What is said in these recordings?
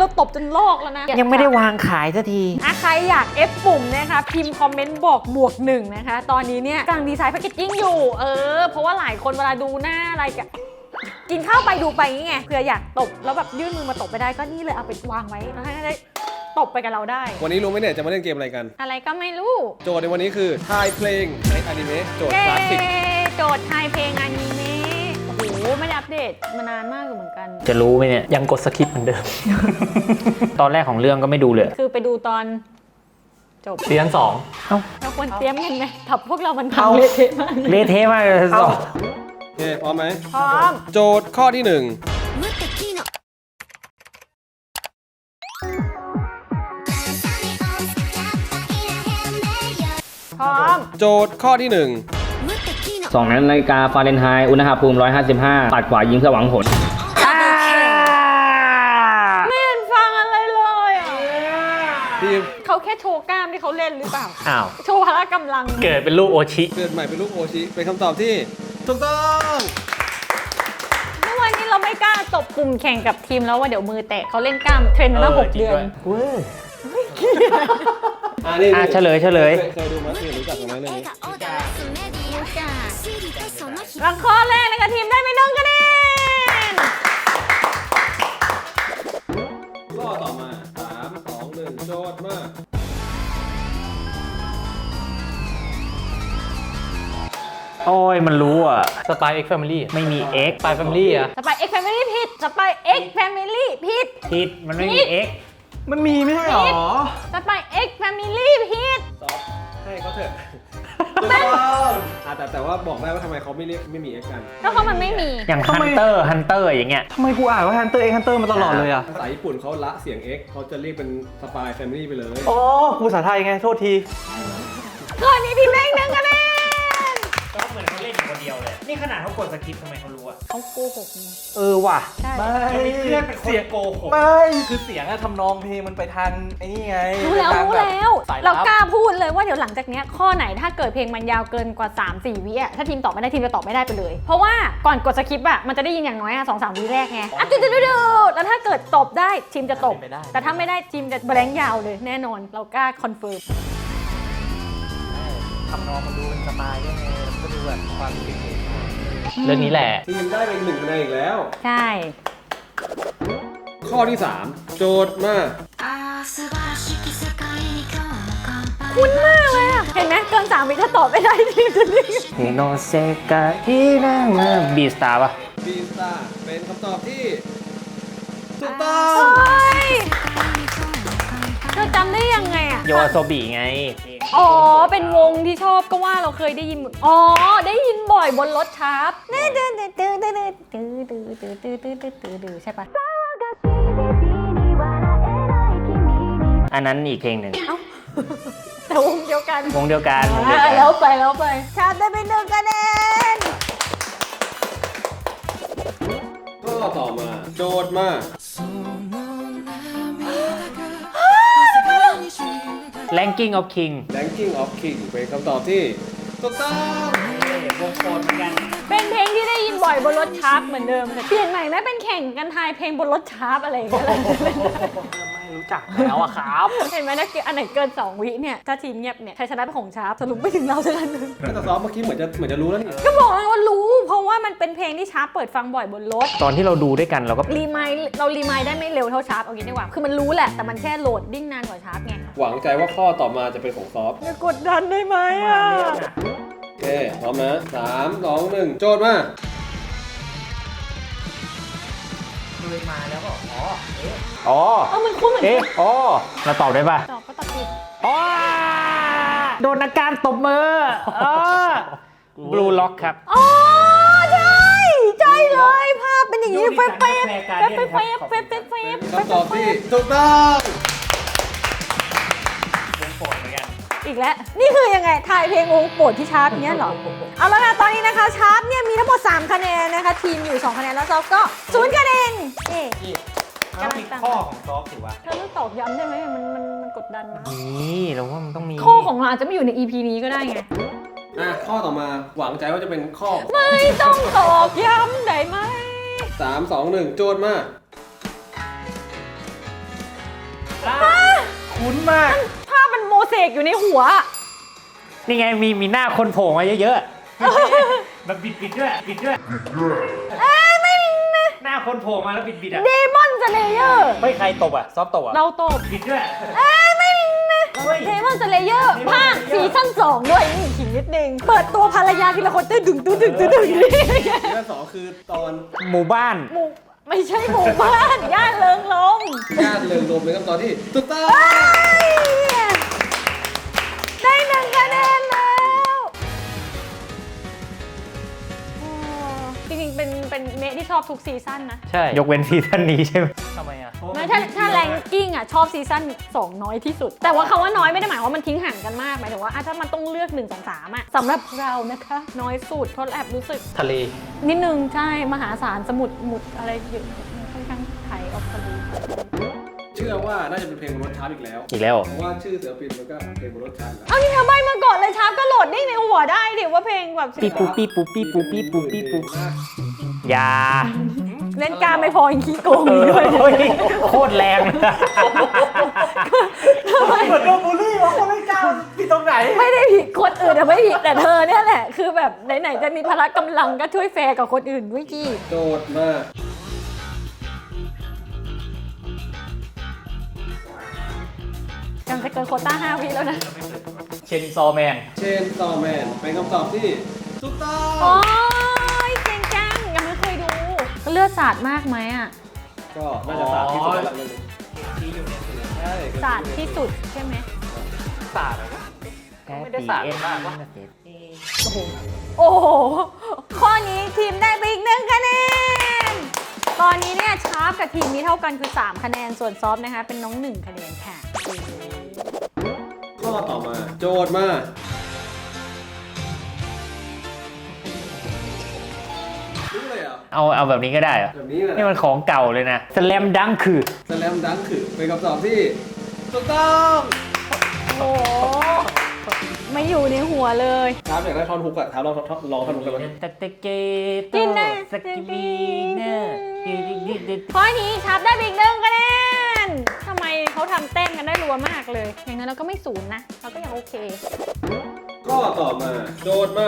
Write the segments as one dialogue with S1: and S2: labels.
S1: เราตบจนลอกแล้วนะ
S2: ยังไม่ได้วางขายสักที
S1: ใครอยากเอฟปุ่มนะคะพิมพ์คอมเมนต์บอก+1นะคะตอนนี้เนี่ยกำลังดีไซน์แพคเกจจิ้งอยู่เพราะว่าหลายคนเวลาดูหน้าอะไรกินข้าวไปดูไปนี่ไงเผื่ออยากตบแล้วแบบยื่นมือมาตบไปได้ก็นี่เลยเอาไปวางไว้แล้วให้ได้ตบไปกับเราได้
S3: วันนี้รู้ไหมเนี่ยจะมาเล่นเกมอะไรกัน
S1: อะไรก็ไม่รู้
S3: โจทย์ในวันนี้คือทายเพลงในอนิเมะโจทย์คลาสสิก
S1: โจทย์ทายเพลงอนิเมะโอ้โหไม่ได้อัปเดตมานานมากอยู่เหมือนกัน
S2: จะรู้ไหมเนี่ย
S4: ยังกดสคริปต์เหมือนเดิม
S2: ตอนแรกของเรื่องก็ไม่ดูเลย
S1: คือไปดูตอนจบ
S4: ซีซั่น
S1: เราควรเตรียมกันไหมถับพวกเรามันพังเละเทะมาก
S2: เละเทะมากเลยสอง
S3: โอเคพร้อมไหม
S1: พร้อม
S3: โจทย์ข้อที่1
S1: พร้อม
S3: โจทย์ข้อที่1
S5: 2 นาฬิกาฟาเรนไฮต์อุณหภูมิ155ปัดขวายิงเพื่อหวังผล
S1: ไม่เห็นฟังอะไรเลย
S3: ทีม
S1: เขาแค่โชว์กล้ามที่เขาเล่นหรือเปล่า
S2: อ้าว
S1: โชว์พละกำลัง
S4: เกิดเป็นลูกโอชิ
S3: เกิดใหม่เป็นลูกโอชิเป็นคำตอบที่ถูกต้อง
S1: เมื่อวานนี้เราไม่กล้าตบปุ่มแข่งกับทีมแล้วว่าเดี๋ยวมือแตกเขาเล่นกล้ามเทรนมาแล้ว6 เดือน
S2: เฉลย
S3: เคยดูมั้ยรู้จักไหมเรื่องนี้
S1: แล้วข้อแรกนะคะทีมได้ไป1 คะแนน
S3: ข้อต่อมา3 2 1โจทย์มา
S2: โอ้ยมันรู้อ่ะ
S4: สปายเอ็กซ์แฟมิลี่
S2: ไม่มี X
S4: สปายแฟมิลี่อะ
S1: สปายเอ็กซ์แฟมิลี่ผิดสปายเอ็กซ์แฟมิลี่ผิด
S2: มันไม่มี X
S4: มันมีไม่ใช่หรอ
S1: สปายเอ็กซ์แฟมิลี่ผิด
S3: ให้เขาเถอะถูกต้องแต่ว่าบอกได้ว่าทำไมเขาไม่เรียกไม่มี X กัน
S1: ก็เพราะมันไม่มี
S2: อย่างฮันเตอร์อย่างเงี้ย
S4: ทำไมกูอ่านว่าฮันเตอร์มาตลอดเลยอะ
S3: ภาษาญี่ปุ่นเขาละเสียง X เขาจะเรียกเป็นสปายแฟมิลี่ไปเลย
S4: อ๋อกูภาษาไทยไงโทษที
S1: ข้อนี้ทีมได้1 คะแนน
S2: ก็เหมือนเขาเล่นอยู่คนเดียวเลยนี่ขนาดเขากดสคริปต์ทำไมเขารู้อ่ะ
S1: เขาโกหกไง
S2: ว่ะ
S4: ไม่
S2: เพื่อนเป็นคนโกหก
S4: ไม่คือเสียงอะทำนองเพลงมันไปทางไอ้นี่ไง
S1: รู้แล้วเรากล้าพูดเลยว่าเดี๋ยวหลังจากนี้ข้อไหนถ้าเกิดเพลงมันยาวเกินกว่า 3-4 วิถ้าทีมตอบไม่ได้ทีมจะตอบไม่ได้ไปเลยเพราะว่าก่อนกดสคริปต์มันจะได้ยินอย่างน้อย2-3 วิแรกไงจุดแล้วถ้าเกิดตอบได้ทีมจะตบแต่ถ้าไม่ได้ทีมจะแบงค์ยาวเลยแน่นอนเรากล้าคอนเฟิร์ม
S4: ทำนองมันดูเป็นสไตล์ยังไงก็ดูแบบความเก๋ๆเรื่องนี้แหละ
S3: ทีมได้เป็น1 คะแนนอีกแล้ว
S1: ใช่
S3: ข้อที่3โจทย์มา
S1: คุ้นมากเลยเห็นไหมเกิน3 วิถ้าตอบไม่ได้ทีมจะนิ่ง
S2: โนเซกะฮินามาบีสตาร์ป่ะ
S3: บีสตาร์เป็นคำตอบที่ถูกต้อง
S1: เธอจำได้ยังไง
S2: โยโซบิไง
S1: เป็นวงที่ชอบก็ว่าเราเคยได้ยินได้ยินบ่อยบนรถชาร์ปใช่ปะ
S2: อันนั้นอีกเพลงหนึ่ง
S1: แต่วงเดียวกัน
S2: แล้ว
S1: ไปชาร์ปได้ไป1 คะแนน
S3: ข้อต่อมาโจทย์มา
S2: Ranking of King
S3: เป็นคำตอบที่ถูกต้อง
S2: วงโปรดเหมือนกัน
S1: เป็นเพลงที่ได้ยินบ่อยบนรถชาร์ปเหมือนเดิมแต่เปลี่ยนใหม่ไหมเป็นแข่งกันทายเพลงบนรถชาร์ปอะไรอย่างเงี้ย
S4: ไม่รู้จักแล้วอะครับ
S1: เห็นไหมนะอันไหนเกิน2 วิเนี่ยถ้าทีมเงียบเนี่ยใครชนะเป็นของชาร์ปสรุปไม่ถึงเราสักอันนึง
S3: แต่ซ้อมเมื่อกี้เหมือนจะรู้แล้วนี่
S1: ก็บอกว่ารู้เพราะว่ามันเป็นเพลงที่ชาร์ปเปิดฟังบ่อยบนรถ
S2: ตอนที่เราดูด้วยกันเราก็
S1: รีมายได้ไม่เร็วเท่าชาร์ปเอางี้ดีกว่าคือมันรู้แหละแต่มันแค่โหลดดิ้งนานกว่าชาร์ปไง
S3: หวังใจว่าข้อต่อมาจะเป็นของซอฟ
S1: อย่ากดดันได้ไหม
S3: โอเคพร้อมนะ3 2 1โจทย์มา
S2: เลยมาแล้วก็
S1: มันคุ้นเหมือนกัน
S2: เราตอบได้ป่ะ
S1: ตอบก็ตอบผิด
S2: โดนอาการตบมือบลูล็อกครับ
S1: ใช่เลยภาพเป็นอย่างนี้เฟฟ
S3: คำตอบที่ถูกต้อง
S2: วงโปรดเหมือนกัน
S1: อีกแล้วนี่คือยังไงทายเพลงวงโปรดที่ชาร์ปเนี้ยเหรอเอาแล้วนะตอนนี้นะคะชาร์ปเนี่ยมีทั้งหมด3 คะแนนนะคะทีมอยู่2 คะแนนแล้วซอฟก็0 คะแนน
S2: กำลังตั้งข้อของซอฟถือว่า
S1: เธอต้องตอบย้ำได้ไหมมันกดดันนะ
S2: นี่เราว่ามันต้องมี
S1: ข้อของเราอาจจะไม่อยู่ใน EP นี้ก็ได้ไง
S3: ข้อต่อมาหวังใจว่าจะเป็นข้อ
S1: ไม่ต้องตอบย้ำได้ไหม
S3: 3 2 1โจทย์มา
S2: คุ้นมาก
S1: ภาพมันโมเสกอยู่ในหัว
S2: นี่ไงมีหน้าคนโผล่มาเยอะๆแบบบิดด้วยบิดด้วยหน้าคนโผล่มาแล้วบิดอ่ะ
S1: เดมอนสเลเยอร์
S2: ไม่ใครตบอ่ะซอฟตบอ่ะ
S1: เราตบ
S2: บิดด้วย
S1: เดมอนสเลเยอร์ภาคซีซั่น2ด้วยนี่ขิงนิดนึง เปิดตัวภรรยาทีละคนตึ้งตึ้งตึ้งตึ้งตึ้ง
S3: เรื่องสองคือตอน
S2: หมู่บ้าน
S1: หมู่ไม่ใช่หมู่บ้านย่านเริงลม
S3: ญาติเริงรมเป็นคำตอบที่ถูกต้อง
S1: ได้1 คะแนนแล้วจริงๆเป็นเมะที่ชอบทุกซีซั่นนะ
S2: ใช่ ยกเว้นซีซั่นนี้ใช่ไหม
S4: ทำไมอ่ะ
S1: ไม่ถ้าแรงกิ้งอ่ะชอบซีซั่น2น้อยที่สุด แต่ว่าคำว่าน้อยไม่ได้หมายว่ามันทิ้งห่างกันมากหมายถึงว่าถ้ามันต้องเลือก1 2 3อ่ะสำหรับเรานะคะน้อยสุดเพราะแอบรู้สึก
S2: ทะเล
S1: นิดนึงใช่มหาศาลสมุดหมุดอะไรเยอะค่อนข้างไทยออกทะเล
S3: เชื่อว่าน่าจะเป็นเพลงบนรถชาร์ปอีกแล้ว
S2: อีกแล้ว
S3: เพราะว่าชื่อเสือปินมันก็เพลงบนรถชาร์ปแล้ว
S1: เอานี่เธอใบมาก่อนเลยชาร์ปก็โหลดได้ในหัวได้ดิว่าเพลงแบบ
S2: ปีปูปีปูปีปูปีปูปีปูยา
S1: เล่นกล้ามไม่พอยังขี้โกงอีกด้วย
S2: โอ้ยโคตรแรง
S4: เหมือนโดนบูลลี่ว่าคนไม่กล้าผิดตรงไหน
S1: ไม่ได้ผิดคนอื่นแต่ไม่ผิดแต่เธอเนี่ยแหละคือแบบไหนๆจะมีพละกำลังก็ช่วยแฟร์กับคนอื่นด้วยจี
S3: โจทย์มาก
S1: กำลังจะเกินโควต้า5 วิแล้วนะ
S2: เชนซอแมน
S3: เชนซอแมนเป็นคำตอบที่ถูกต้อ
S1: โอ้
S3: ง
S1: ยเก่งจังยังไม่เคยดูเลือดสาดมากไหมอ่ะ
S3: ก็น่าจะสามที่สุดแล้วเรื่องนี้ใช่
S1: สาดที่สุดใช่ไหม
S4: ศาสตร์อะ ไม่ได้สาดมากวะ
S1: โอ้โหข้อนี้ทีมได้ไปอีก1 คะแนนตอนนี้เนี่ยชาร์ปกับทีมนี้เท่ากันคือ3 คะแนนส่วนซอฟนะคะเป็นน้อง1 คะแนนค่ะ
S3: ข้อต่อมาโจทย์มารู้เลยเหรอ่ะ
S2: เอาแบบนี้ก็ได้เหรอ
S3: แบบนี้เลย
S2: นี่มันของเก่าเลยนะสแลมดังคือ
S3: สแลมดังคือเป็นคำตอบที่ถูกต้อง
S1: โอ้โหไม่อยู่ในหัวเลย
S3: ถามอยากได้ท่อนฮุกอะถามลองท่อนฮุกกันไหม
S2: ตะเตเก
S1: กินนะ
S2: สกิบีเนอร์
S1: ข้อนี้ชาร์ปได้ไปอีก1 คะแนนทำไมเขาทำแต้มกันได้รัวมากเลย อย่างนั้นเราก็ไม่ศูนย์นะ เราก็ยังโอเค
S3: ข้อต่อมาโจทย์มา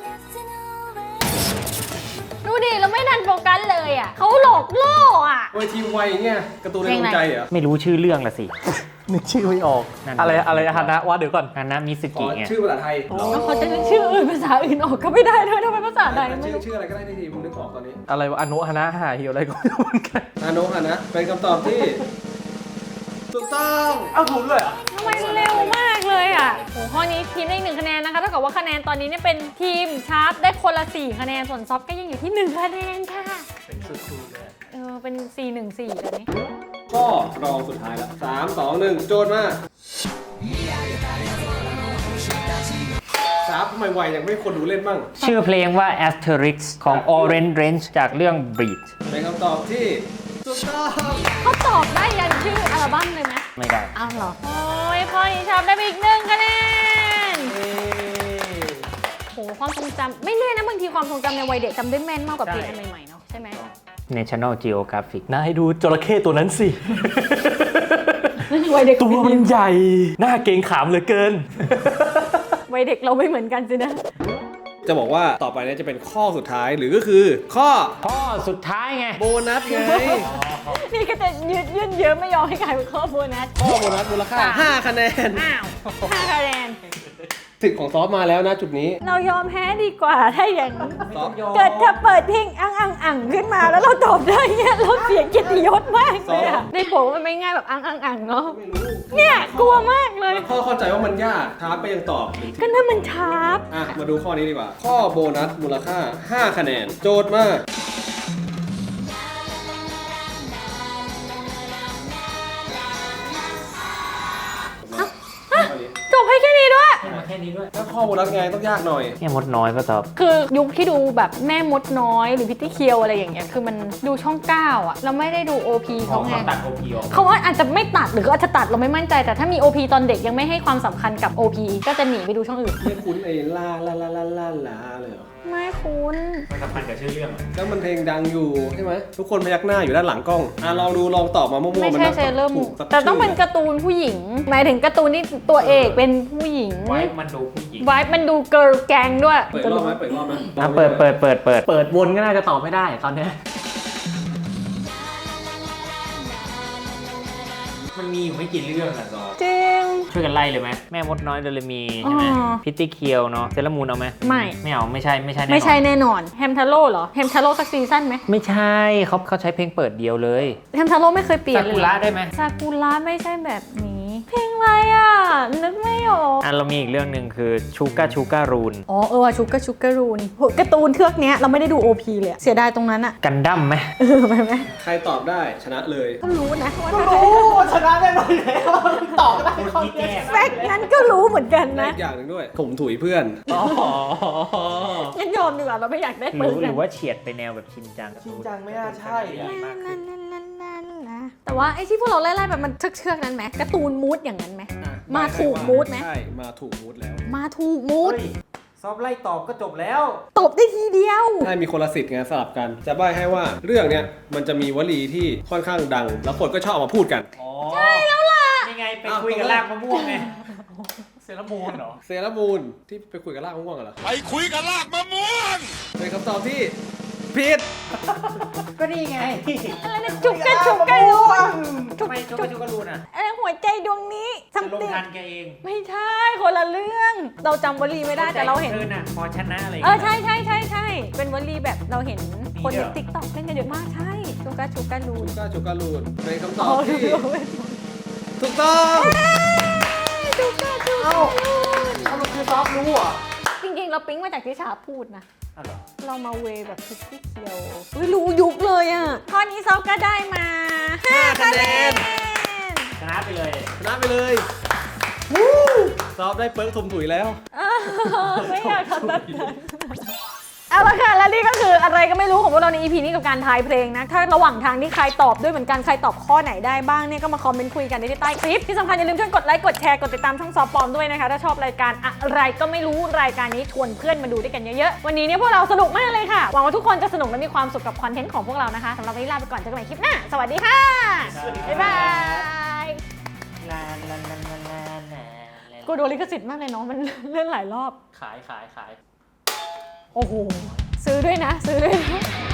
S1: ดูดิ เราไม่ทันโฟกัสเลยอ่ะเขาหลอกล่ออ่ะ
S3: โอ้ยทีมไวเงี้ยการ์ตูนในดวงใจเหรอ
S2: ไม่รู้ชื่อเรื่องละสิ
S4: นึกชื่อไม่ออก
S2: นั่น
S4: อะไรฮานะว่าเดี๋ยวก่อน
S2: อันนะมิส
S3: ขอ
S2: กิไง
S3: ชื่อภาษาไทย
S1: แล้วเขาจะนึกชื่ออื่นภาษาอื่นออกก็ไม่ได้ด้วยทำไมภาษาใดไม่รู้
S3: ชื่ออะไรก็ได้ที่ทีมนึกออกตอนนี้
S4: อะไรวะอนุฮานะหาฮิวอะไรก็ไม่รู้เหมือนกัน
S3: อาโนะอะนะเป็นคำตอบที่ถูกต้อง
S4: เอ้าถูกเลยเหรอ
S1: ทำไมเร็วมากเลยอ่ะโหข้อนี้ทีมได้อีก1 คะแนนนะคะเท่ากับว่าคะแนนตอนนี้เนี่ยเป็นทีมชาร์ปได้คนละ4 คะแนนส่วนซอฟก็ยังอยู่ที่1 คะแนนค่ะ
S4: เป็นสูตรเลย
S1: เป็น4-1-4แบบนี้
S3: ข้อรองสุดท้ายแล้ว3 2 1โจทย์มา3ทำไมไวยังไม่คนดูเล่นบ้าง
S2: ชื่อเพลงว่า Asterix ของ Orange Range จากเรื่อง Breed
S3: เป็นคำตอบที่ถูกต้อง
S1: เขาตอบได้ยันชื่ออัลบั้มเลยไหม
S2: ไม่ได้
S1: อ้าวเหรอ โอ้ยข้อนี้ชอบได้ไปอีก1 คะแนนโหความทรงจำไม่แน่นะบางทีความทรงจำในวัยเด็กจำได้แม่นมากกว่าเพลงอันใหม่ๆเนาะใช่ไหม
S2: National Geographic
S4: น่าให้ดูจระเข้ตัวนั้นสิ
S1: วัยเด็ก
S4: ตัวมันใหญ่ หน้าเกรงขามเหลือเกิน
S1: วัยเด็กเราไม่เหมือนกันสินะ
S3: จะบอกว่าต่อไปเนี้จะเป็นข้อสุดท้ายหรือก็คือข้อ
S2: ข้อสุดท้ายไง
S3: โบนัสไง
S1: นี่ก็จะยืดเยอะไม่ยอมให้กลายเป็นข้อโบนัส
S3: ข้อโบนัสมูลค่า 5 คะแนน
S1: อ้าว5 คะแนน
S3: สิทธิ์ของซอฟมาแล้วนะจุดนี้
S1: เรายอมแพ้ดีกว่าถ้าอย่างนี้
S3: ซอฟ
S1: เกิดถ้าเปิดเพลงอังขึ้นมาแล้วเราตอบได้เนี่ยเราเสียเกียรติยศมากเลยอะในโผมันไม่ง่ายแบบอังเนาะ
S3: ไม่รู้
S1: เนี่ยกลัวมากเลย
S3: พ่อเข้าใจว่ามันยากท้าไปยังตอบหนึ่งที
S1: ก็นั่นมันชาร์ป
S3: อ่ะ มาดูข้อนี้ดีกว่า ข้อโบนัสมูลค่า 5 คะแนน โจทย์มา
S1: จบให้แค่นี้ด้วย
S2: แค่นี้ด้วย
S3: ถ้าข้อโบนัสไงต้องยากหน่อย
S2: แค่มดน้อยป่ะตอบ
S1: คือยุคที่ดูแบบแม่มดน้อยหรือพิตตี้เคียวอะไรอย่างเงี้ยคือมันดูช่อง 9อ่ะเราไม่ได้ดู OP เขาไง
S2: ตัด OP ออก
S1: เขาว่าอาจจะไม่ตัดหรืออาจจะตัดเราไม่มั่นใจแต่ถ้ามี OP ตอนเด็กยังไม่ให้ความสำคัญกับ OP ก็จะหนีไปดูช่องอื่น
S3: ไม่คุ้นไอ้ลาเลยเหรอ
S1: ลไม่คุณ
S2: มันสัมพันธ์กับชื่อเรื่อง
S3: ก็มันเพลงดังอยู่ใช่ไหมทุกคนพยักหน้าอยู่ด้านหลังกล้องลองดูลองตอบมามั่วๆ
S1: ไม่
S3: มัน
S1: ใช่
S3: น่า
S1: เซเลอร์
S3: ถู
S1: มู
S3: กสัก
S1: แต่ต้อง
S3: ชื่
S1: เป็นการ์ตูนผู้หญิง หมายถึงการ์ตูนที่ตัวเอกเป็นผู้หญิง
S2: ไว้มันดูผู้หญิง
S1: ไว้มันดูเกิร์ลแกงด้วย
S3: เปิดรอบไหมเปิดรอบไหม
S2: เปิดวนก็น่าจะตอบไม่ได้ตอนเนี้ยมันมีอยู่ไม่กี่เรื่องอะซอ
S1: จริง
S2: ช่วยกันไล่เลยไหมแม่มดน้อยเดลมีใช่ไหม
S1: อ๋อ
S2: พิตตี้เคียวเนาะเซเลอร์มูนเอาไหม
S1: ไม่
S2: ไม่เอาไม่ใช่แน่นอน
S1: ไม่ใช่แน่นอนแฮมทาโร่เหรอแฮมทาโร่สักซีซั่นไหม
S2: ไม่ใช่เขาใช้เพลงเปิดเดียวเลย
S1: แฮมทาโร่ไม่เคยเปลี่ยน
S2: ซา
S1: เลย
S2: กุระได้ไหม
S1: ซากุระไม่ใช่แบบนี้ เพลงอะไรอ่ะ นึกไม่ออก
S2: เรามีอีกเรื่องหนึ่งคือชูการรูน
S1: อ๋อว่ะชุกกะชุกกะรูนโหการ์ตูนเทือกเนี้ยเราไม่ได้ดู OP เลยอะเสียดายตรงนั้นอ่ะ
S2: กันดั้มไหม
S1: ไปไหม
S3: ใครตอบได้ชนะเลย
S1: ก็รู้นะว่า
S2: ชนะได้ไหมแล้วตอบได้คนที่แก้
S1: แฟกต์นั้นก็รู้เหมือนกัน
S3: และ
S1: นะ
S3: อีกอย่างหนึ่งด้วยถมถุยเพื่อน
S1: งั้นยอมดีกว่าเราไม่อยากได้
S2: ห
S1: เปิ
S2: รื
S1: ด
S2: อหรือว่าเฉียดไปแนวแบบชินจัง
S4: จริงจังไม่น่าใช่อะ
S1: แต่ว่าไอ้ที่พวกเราไล่ๆแบบมันเชือกๆนั้นไหมการ์ตูนมูดอย่างนั้นไหม มาถูกมูดไหม
S3: ใช่มาถูกมูดแล้ว
S1: มาถูกมูด
S2: ซอบไล่ตอบก็จบแล้ว
S1: ตบได้ทีเดียว
S3: ให้มีคนละสิทธิ์ไงสลับกัน จะใบ้ให้ว่าเรื่องเนี้ยมันจะมีวลีที่ค่อนข้างดัง แล้วคนก็ชอบเอามาพูดกัน
S2: ใช่แล้วล่ะนี่ไงไปคุยกับลากมะม่วงไงเซรามูนเหรอ
S3: เซรามูนที่ไปคุยกับลากมะม่วงเหรอ
S6: ไปคุยกับลากมะม่วง
S3: เป็นคำตอบที่ผิด
S2: ก็นี่ไง
S1: อะไรนะจุกกะจุกกะรูน
S2: ทำไมชูการูนอ่ะ
S1: อะไรหัวใจดวงนี้
S2: จะลง
S1: something
S2: ทันแกเอง
S1: ไม่ใช่คนละเรื่อง เราจำวลีไม่ได้แต่เราเห็น
S2: ธอน่ะพอชนะอะไร
S1: ใช่เป็นวลีแบบเราเห็นคนในติ๊กต็อกเล่นกันเยอะมากใช่จุกกะจุกกะรูน
S3: จูการูนเป็นคำตอบ
S1: อ๋อ
S3: ที่
S1: ดู
S3: ถูกต้อง
S1: จุกกะจุกกะรูน
S2: เอามันคือซอฟรู้อ่ะ
S1: จริงๆเราปิ๊งมาจากที่ชาพูดนะ
S2: อ้าวเหรอ
S1: เรามาเวแบบพิกซี่เคียวรู้ยุคเลยอ่ะข้อนี้ซอฟก็ได้มา5คะแนน
S2: ชนะไปเลย
S3: ชนะไปเลยซอฟได้เปิร์กถมถุยแล้ว
S1: ไม่อยากทำแบบนั้นเอาละค่ะและนี่ก็คืออะไรก็ไม่รู้ของพวกเราใน EP นี้กับการทายเพลงนะถ้าระหว่างทางที่ใครตอบด้วยเหมือนกันใครตอบข้อไหนได้บ้างเนี่ยก็มาคอมเมนต์คุยกันได้ที่ใต้คลิปที่สำคัญอย่าลืมช่วยกดไลค์กดแชร์กดติดตามช่องซอฟปอมด้วยนะคะถ้าชอบรายการอะไรก็ไม่รู้รายการนี้ชวนเพื่อนมาดูด้วยกันเยอะๆวันนี้เนี่ยพวกเราสนุกมากเลยค่ะหวังว่าทุกคนจะสนุกและมีความสุขกับคอนเทนต์ของพวกเรานะคะสำหรับวันนี้ลาไปก่อนเจอกันใหม่คลิปหน้าสวัสดีค่ะบ๊ายบาย
S2: ลา
S1: กูโดนลิขสิทธิ์มากเลยเนาะมันเล่นหลายรอบ
S2: ขาย
S1: โอ้โหซื้อด้วยนะ